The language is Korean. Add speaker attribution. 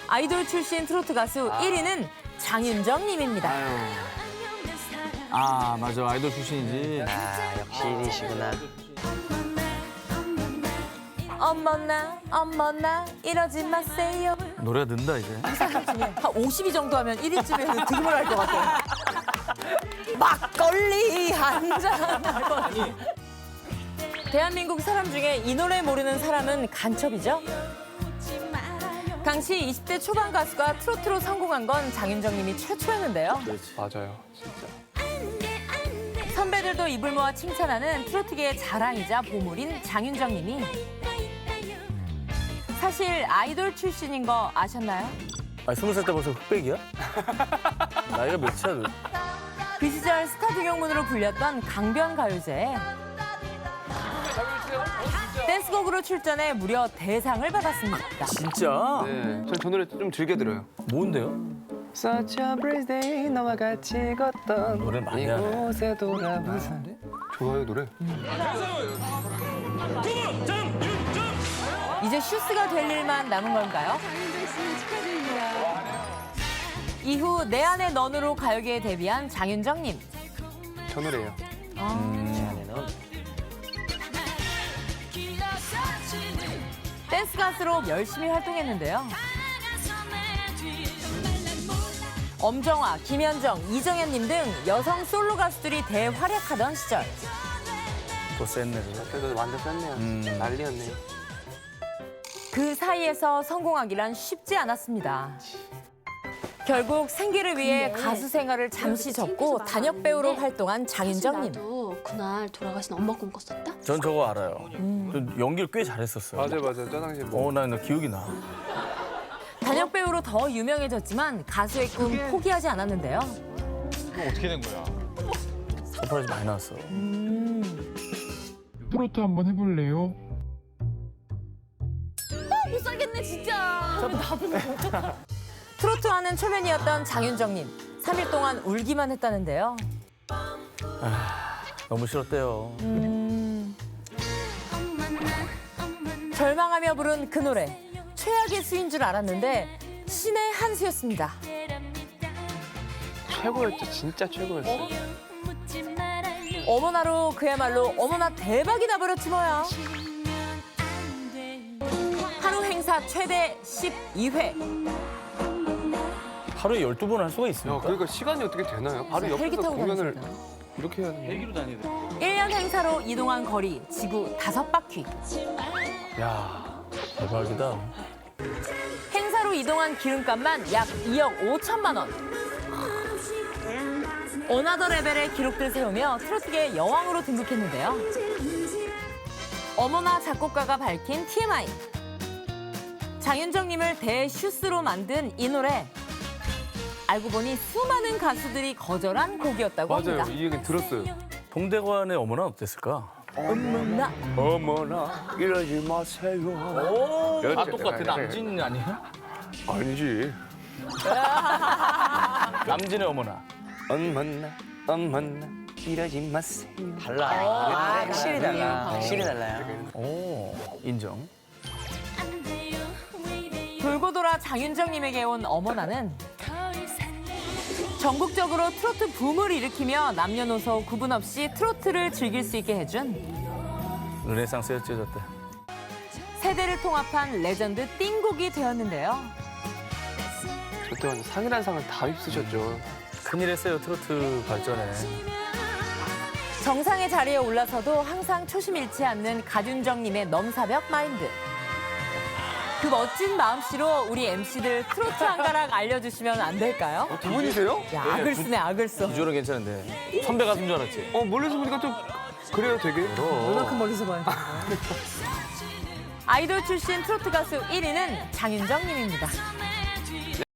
Speaker 1: 아이돌 출신 트로트 가수 1위는 장윤정 님입니다.
Speaker 2: 아, 맞아. 아이돌 출신이지.
Speaker 3: 아, 역시 1위시구나.
Speaker 1: 어머나 이러지 마세요.
Speaker 2: 노래가 는다, 이제.
Speaker 1: 사람 중에 한 52 정도 하면 1위쯤에는 득음을 할 것 같아요. 막걸리 한 잔. 대한민국 사람 중에 이 노래 모르는 사람은 간첩이죠. 당시 20대 초반 가수가 트로트로 성공한 건 장윤정 님이 최초였는데요.
Speaker 4: 맞아요, 진짜.
Speaker 1: 선배들도 입을 모아 칭찬하는 트로트계의 자랑이자 보물인 장윤정 님이 사실 아이돌 출신인 거 아셨나요?
Speaker 2: 아, 20살 때 벌써 흑백이야? 나이가 몇이야, 너?
Speaker 1: 그 시절 스타 등용문으로 불렸던 강변가요제에 댄스곡으로 출전해 무려 대상을 받았습니다.
Speaker 2: 진짜?
Speaker 4: 네, 저 노래 좀 즐겨 들어요.
Speaker 2: 뭔데요?
Speaker 4: Such a breeze day 너와 같이 걷던
Speaker 2: 노래 많이 하네.
Speaker 4: 이곳에 돌아보자. 좋아요, 노래.
Speaker 1: 이제 슈스가 될 일만 남은 건가요? 이후 내 안의 넌으로 가요계에 데뷔한 장윤정님.
Speaker 4: 저 노래예요.
Speaker 1: 댄스 가수로 열심히 활동했는데요. 엄정화, 김현정, 이정현님 등 여성 솔로 가수들이 대활약하던 시절.
Speaker 2: 또 쎘네, 그거.
Speaker 4: 그래도 완전 쌌네요. 난리였네요.
Speaker 1: 그 사이에서 성공하기란 쉽지 않았습니다. 결국 생계를 위해 가수 생활을 잠시 접고 단역 배우로 활동한 장윤정님.
Speaker 5: 나도 그날 돌아가신 엄마 꿈꿨었다.
Speaker 2: 전 저거 알아요. 저 연기를 꽤 잘했었어요.
Speaker 4: 맞아. 저 당시에 뭐.
Speaker 2: 나 기억이 나.
Speaker 1: 단역 배우로 더 유명해졌지만 가수의 꿈 포기하지 않았는데요.
Speaker 6: 어떻게 된 거야?
Speaker 2: 서프라이즈 많이 나왔어.
Speaker 6: 트로트 한번 해볼래요?
Speaker 1: 못 살겠네 진짜. 트로트와는 초면이었던 장윤정님. 3일 동안 울기만 했다는데요.
Speaker 2: 너무 싫었대요.
Speaker 1: 절망하며 부른 그 노래. 최악의 수인 줄 알았는데 신의 한 수였습니다.
Speaker 4: 최고였죠, 진짜 최고였어요.
Speaker 1: 어머나로 그야말로 어머나 대박이 나버렸지 뭐야. 하루 행사 최대 12회.
Speaker 2: 하루에 12번 할 수가
Speaker 4: 야,
Speaker 2: 있습니까?
Speaker 4: 그러니까 시간이 어떻게 되나요? 바로
Speaker 1: 헬기
Speaker 4: 옆에서
Speaker 1: 타고
Speaker 4: 공연을
Speaker 1: 다니시잖아요.
Speaker 4: 이렇게 해야 되는
Speaker 2: 헬기로 다니대.
Speaker 1: 1년 행사로 이동한 거리 지구 5바퀴.
Speaker 2: 야, 대박이다.
Speaker 1: 행사로 이동한 기름값만 약 2억 5천만 원. 어나더 레벨의 기록들 세우며 트로트계의 여왕으로 등극했는데요. 어머나 작곡가가 밝힌 TMI. 장윤정님을 대슈스로 만든 이 노래. 알고 보니 수많은 가수들이 거절한 곡이었다고
Speaker 4: 맞아요,
Speaker 1: 합니다.
Speaker 4: 이 얘기 들었어요.
Speaker 2: 동대관의 어머나는 어땠을까?
Speaker 1: 어머나.
Speaker 4: 어머나 이러지 마세요.
Speaker 2: 아, 똑같아. 남진 아니야?
Speaker 4: 아니지.
Speaker 2: 남진의 어머나.
Speaker 4: 어머나 이러지 마세요.
Speaker 3: 달라.
Speaker 1: 확실히 달라.
Speaker 3: 확실히 달라요.
Speaker 2: 오, 인정.
Speaker 1: 돌고 돌아 장윤정님에게 온 어머나는 전국적으로 트로트 붐을 일으키며 남녀노소 구분 없이 트로트를 즐길 수 있게 해준
Speaker 2: 르네상스였죠, 저때.
Speaker 1: 세대를 통합한 레전드 띵곡이 되었는데요.
Speaker 4: 저때 완전 상이란 상을 다 휩쓰셨죠.
Speaker 2: 큰일 했어요, 트로트 발전에.
Speaker 1: 정상의 자리에 올라서도 항상 초심 잃지 않는 가윤정님의 넘사벽 마인드. 그 멋진 마음씨로 우리 MC들 트로트 한 가락 알려주시면 안 될까요?
Speaker 4: 두 분이세요?
Speaker 1: 야, 악을 쓰네, 악을 써.
Speaker 2: 비주얼은 괜찮은데. 선배 가수인 줄 알았지?
Speaker 4: 멀리서 보니까 좀 그래요, 되게.
Speaker 1: 얼마큼 멀리서 봐요. 아이돌 출신 트로트 가수 1위는 장윤정님입니다.